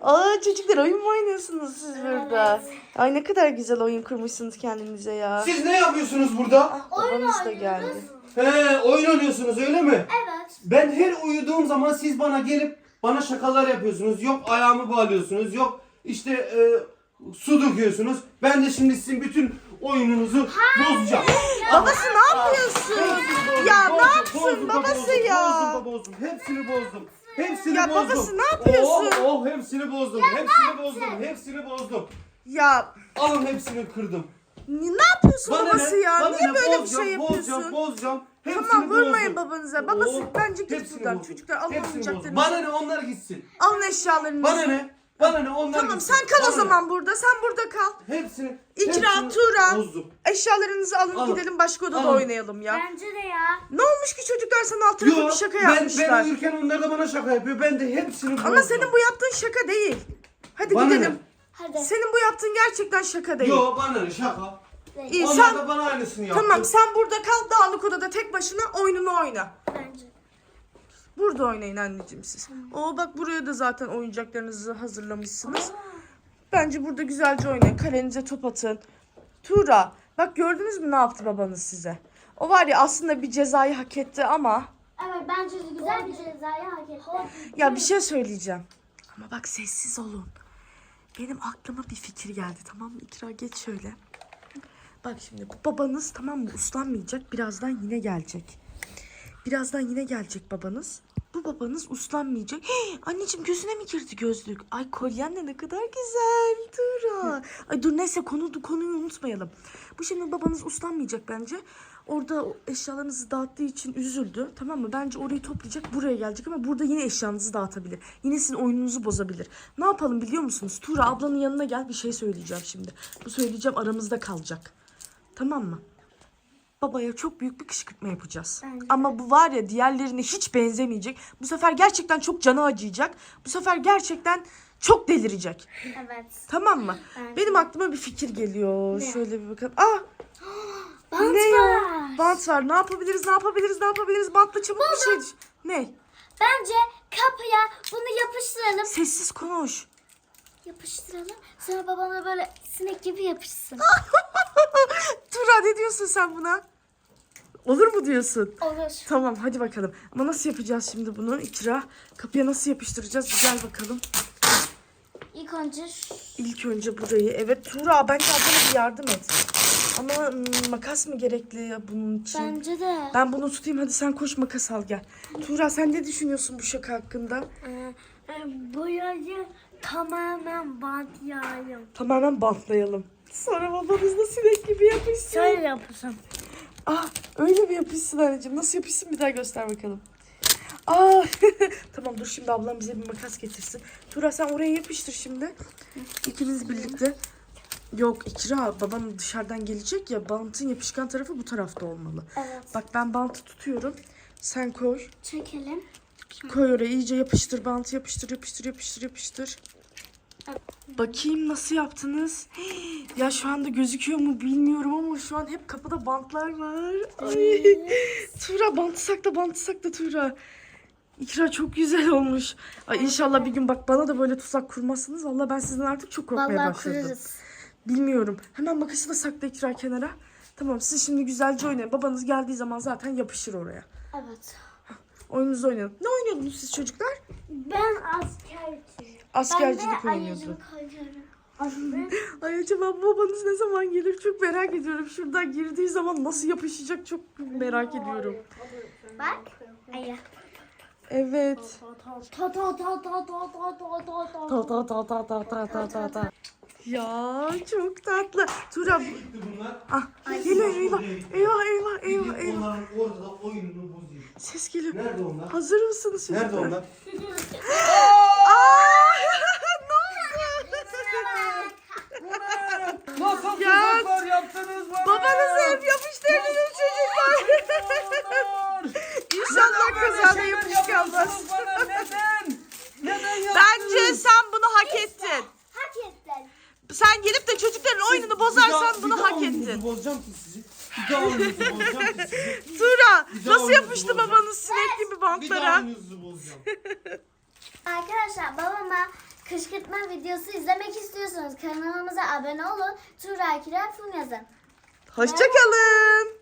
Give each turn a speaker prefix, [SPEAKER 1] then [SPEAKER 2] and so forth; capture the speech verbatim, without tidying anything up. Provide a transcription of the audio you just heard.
[SPEAKER 1] Aa çocuklar oyun mu oynuyorsunuz siz burada? Ay ne kadar güzel oyun kurmuşsunuz kendinize ya.
[SPEAKER 2] Siz ne yapıyorsunuz burada?
[SPEAKER 1] Ah, babanız da geldi.
[SPEAKER 2] He, oyun oynuyorsunuz öyle mi?
[SPEAKER 3] Evet.
[SPEAKER 2] Ben her uyuduğum zaman siz bana gelip bana şakalar yapıyorsunuz. Yok ayağımı bağlıyorsunuz. Yok işte e, su döküyorsunuz. Ben de şimdi sizin bütün oyununuzu bozacağım.
[SPEAKER 1] Babası ne yapıyorsun? Ya ne yapsın
[SPEAKER 2] Bozdum,
[SPEAKER 1] babası
[SPEAKER 2] bozdum,
[SPEAKER 1] ya?
[SPEAKER 2] Bozdum, bozdum. Hepsini bozdum. Hepsini
[SPEAKER 1] Ya
[SPEAKER 2] bozdum.
[SPEAKER 1] babası ne yapıyorsun?
[SPEAKER 2] Oh, oh hepsini bozdum. Hepsini bozdum. Hepsini bozdum.
[SPEAKER 1] Ya
[SPEAKER 2] Alın hepsini kırdım.
[SPEAKER 1] ne yapıyorsun
[SPEAKER 2] Bana
[SPEAKER 1] babası
[SPEAKER 2] ne?
[SPEAKER 1] ya?
[SPEAKER 2] Bana
[SPEAKER 1] Niye
[SPEAKER 2] ne?
[SPEAKER 1] böyle bir
[SPEAKER 2] Bozacağım,
[SPEAKER 1] şey
[SPEAKER 2] Bozacağım,
[SPEAKER 1] yapıyorsun?
[SPEAKER 2] bozacağım. Hepsini
[SPEAKER 1] Tamam vurmayın
[SPEAKER 2] bozdum.
[SPEAKER 1] babanıza. Babası
[SPEAKER 2] Oh,
[SPEAKER 1] bence git
[SPEAKER 2] hepsini
[SPEAKER 1] buradan.
[SPEAKER 2] bozdum.
[SPEAKER 1] Çocuklar alın
[SPEAKER 2] Hepsini bozdum.
[SPEAKER 1] oyuncaklarınızı.
[SPEAKER 2] Bana ne onlar gitsin.
[SPEAKER 1] Alın eşyalarınızı.
[SPEAKER 2] Bana ne? Bana ne onlar
[SPEAKER 1] Tamam
[SPEAKER 2] gitsin.
[SPEAKER 1] sen kal
[SPEAKER 2] Bana
[SPEAKER 1] o
[SPEAKER 2] ne?
[SPEAKER 1] zaman burada. Sen burada kal.
[SPEAKER 2] Hepsini.
[SPEAKER 1] İkra,
[SPEAKER 2] hepsini
[SPEAKER 1] Turan.
[SPEAKER 2] bozdum.
[SPEAKER 1] Eşyalarınızı alın,
[SPEAKER 2] Alın.
[SPEAKER 1] gidelim başka odada
[SPEAKER 2] Alın.
[SPEAKER 1] oynayalım ya.
[SPEAKER 3] Bence de ya.
[SPEAKER 1] Ne olmuş ki çocuklar sana alt tarafı
[SPEAKER 2] Yo,
[SPEAKER 1] bir şaka
[SPEAKER 2] ben,
[SPEAKER 1] yapmışlar.
[SPEAKER 2] ben uyurken onlar da bana şaka yapıyor. Ben de hepsini bozdum.
[SPEAKER 1] Ama senin bu yaptığın şaka değil. Hadi
[SPEAKER 2] Bana
[SPEAKER 1] gidelim.
[SPEAKER 2] ne?
[SPEAKER 3] Hadi.
[SPEAKER 1] Senin bu yaptığın gerçekten şaka değil.
[SPEAKER 2] Yo bana ne şaka.
[SPEAKER 1] İyi
[SPEAKER 2] Onlar
[SPEAKER 1] sen
[SPEAKER 2] da bana aynısını yaptı.
[SPEAKER 1] tamam sen burada kal dağınık odada tek başına oyununu oyna.
[SPEAKER 3] Bence.
[SPEAKER 1] Burada oynayın anneciğim siz. Oo bak buraya da zaten oyuncaklarınızı hazırlamışsınız. Bence burada güzelce oynayın. Kalenize top atın. Tuğra bak gördünüz mü ne yaptı babanız size? O var ya aslında bir cezayı hak etti ama
[SPEAKER 3] Evet bence de güzel bir cezayı hak etti.
[SPEAKER 1] ya bir şey söyleyeceğim. Ama bak sessiz olun. Benim aklıma bir fikir geldi tamam mı? İkra geç şöyle. Bak şimdi bu babanız tamam mı uslanmayacak. Birazdan yine gelecek. Birazdan yine gelecek babanız. Bu babanız uslanmayacak. Hii, anneciğim gözüne mi girdi gözlük? Ay kolyen de ne kadar güzel. Tura. Ay dur neyse konu, konuyu unutmayalım. Bu şimdi babanız uslanmayacak bence. Orada eşyalarınızı dağıttığı için üzüldü. Tamam mı? Bence orayı toplayacak buraya gelecek ama burada yine eşyanızı dağıtabilir. Yine sizin oyununuzu bozabilir. Ne yapalım biliyor musunuz? Tura ablanın yanına gel bir şey söyleyeceğim şimdi. Bu söyleyeceğim aramızda kalacak. Tamam mı? Babaya çok büyük bir kışkırtma yapacağız.
[SPEAKER 3] Bence.
[SPEAKER 1] Ama bu var ya diğerlerine hiç benzemeyecek. Bu sefer gerçekten çok canı acıyacak. Bu sefer gerçekten çok delirecek.
[SPEAKER 3] Evet.
[SPEAKER 1] Tamam mı?
[SPEAKER 3] Bence.
[SPEAKER 1] Benim aklıma bir fikir geliyor.
[SPEAKER 3] Ne?
[SPEAKER 1] Şöyle bir bakalım. Ah!
[SPEAKER 3] Bant
[SPEAKER 1] Ne ya?
[SPEAKER 3] var.
[SPEAKER 1] Bant var. Ne yapabiliriz? Ne yapabiliriz? Ne yapabiliriz? Bantla çabuk bir şey düş- Ne?
[SPEAKER 3] Bence kapıya bunu yapıştıralım.
[SPEAKER 1] Sessiz konuş.
[SPEAKER 3] Yapıştıralım. Sonra babana böyle sinek gibi yapışsın.
[SPEAKER 1] Tura ne diyorsun sen buna? Olur mu diyorsun?
[SPEAKER 3] Olur.
[SPEAKER 1] Tamam hadi bakalım. Ama nasıl yapacağız şimdi bunu? İkra. Kapıya nasıl yapıştıracağız? Bir gel bakalım.
[SPEAKER 3] İlk önce şu-
[SPEAKER 1] İlk önce burayı. Evet Tuğra bence ablana bir yardım et. Ama hmm, makas mı gerekli bunun için?
[SPEAKER 3] bence de.
[SPEAKER 1] Ben bunu tutayım hadi sen koş makas al gel. Tuğra sen ne düşünüyorsun bu şaka hakkında?
[SPEAKER 3] Ee, bu yazı tamamen bant yağıyor.
[SPEAKER 1] Tamamen bantlayalım. Sonra babanız da sinek gibi yapışsın.
[SPEAKER 3] Şöyle yapışın.
[SPEAKER 1] Ah öyle mi yapışsın anneciğim? Nasıl yapışsın bir daha göster bakalım. Aa tamam dur şimdi ablam bize bir makas getirsin. Tuğra sen oraya yapıştır şimdi. İkiniz birlikte. Yok İkra babam dışarıdan gelecek ya bantın yapışkan tarafı bu tarafta olmalı.
[SPEAKER 3] Evet.
[SPEAKER 1] Bak ben bantı tutuyorum. Sen koy.
[SPEAKER 3] Çekelim.
[SPEAKER 1] Koy oraya iyice yapıştır bantı yapıştır yapıştır yapıştır yapıştır. Bakayım nasıl yaptınız? Hii, ya şu anda gözüküyor mu bilmiyorum ama şu an hep kapıda bantlar var. Ay. Tuğra bantı sakla bantı sakla Tuğra. İkra çok güzel olmuş. Ay inşallah bir gün bak bana da böyle tuzak kurmazsınız. Vallahi ben sizden artık çok korkmaya
[SPEAKER 3] Vallahi
[SPEAKER 1] başladım.
[SPEAKER 3] kurarız.
[SPEAKER 1] Bilmiyorum. Hemen makası da sakla İkra kenara. Tamam siz şimdi güzelce oynayın. Babanız geldiği zaman zaten yapışır oraya.
[SPEAKER 3] Evet.
[SPEAKER 1] Oyununuzu oynayın. Ne oynuyordunuz siz çocuklar?
[SPEAKER 3] Ben askerciyim.
[SPEAKER 1] Askercilik
[SPEAKER 3] ben de
[SPEAKER 1] oynuyordu.
[SPEAKER 3] ayıcılık oynuyorum.
[SPEAKER 1] Ay acaba babanız ne zaman gelir çok merak ediyorum. Şuradan girdiği zaman nasıl yapışacak çok merak ediyorum.
[SPEAKER 3] Bak. Ayı.
[SPEAKER 1] Evet.
[SPEAKER 3] Ta ta ta ta ta ta ta ta ta.
[SPEAKER 1] Ta ta ta ta ta ta ta ta ta. Ya çok tatlı. Tuğra.
[SPEAKER 2] Gitti bunlar.
[SPEAKER 1] Ah geliyor eyvah. Eyvah eyvah eyvah
[SPEAKER 2] Gidip
[SPEAKER 1] eyvah.
[SPEAKER 2] onların orada oyununu bozayım.
[SPEAKER 1] Ses geliyor.
[SPEAKER 2] Nerede onlar?
[SPEAKER 1] Hazır mısınız çocuklar?
[SPEAKER 2] Nerede onlar?
[SPEAKER 1] Aa! Ne oldu?
[SPEAKER 2] Nasıl
[SPEAKER 1] Ya,
[SPEAKER 2] tuzaklar yaptınız bana?
[SPEAKER 1] Babanızı hep yapıştırdınız çocuklar. İnşallah kazada yapış kalmaz.
[SPEAKER 2] Neden? Neden yaptınız?
[SPEAKER 1] Bence sen bunu hak ettin.
[SPEAKER 3] Hak ettin.
[SPEAKER 1] Sen gelip de çocukların oyununu
[SPEAKER 2] Bir daha-
[SPEAKER 1] bozarsan
[SPEAKER 2] bir
[SPEAKER 1] bunu
[SPEAKER 2] daha
[SPEAKER 1] hak
[SPEAKER 2] oyununuzu
[SPEAKER 1] ettin.
[SPEAKER 2] bozacağım ki sizi. Bir daha oyununuzu bozacağım ki sizi.
[SPEAKER 1] Tuğra
[SPEAKER 2] Bir daha
[SPEAKER 1] nasıl
[SPEAKER 2] oyununuzu
[SPEAKER 1] yapıştı
[SPEAKER 2] bozacağım.
[SPEAKER 1] babanız sinek gibi
[SPEAKER 2] Bir daha
[SPEAKER 1] bantlara?
[SPEAKER 2] oyununuzu bozacağım.
[SPEAKER 3] Arkadaşlar babama kışkırtma videosu izlemek istiyorsanız kanalımıza abone olun. Tuğra Kiral Fum yazın.
[SPEAKER 1] Hoşçakalın.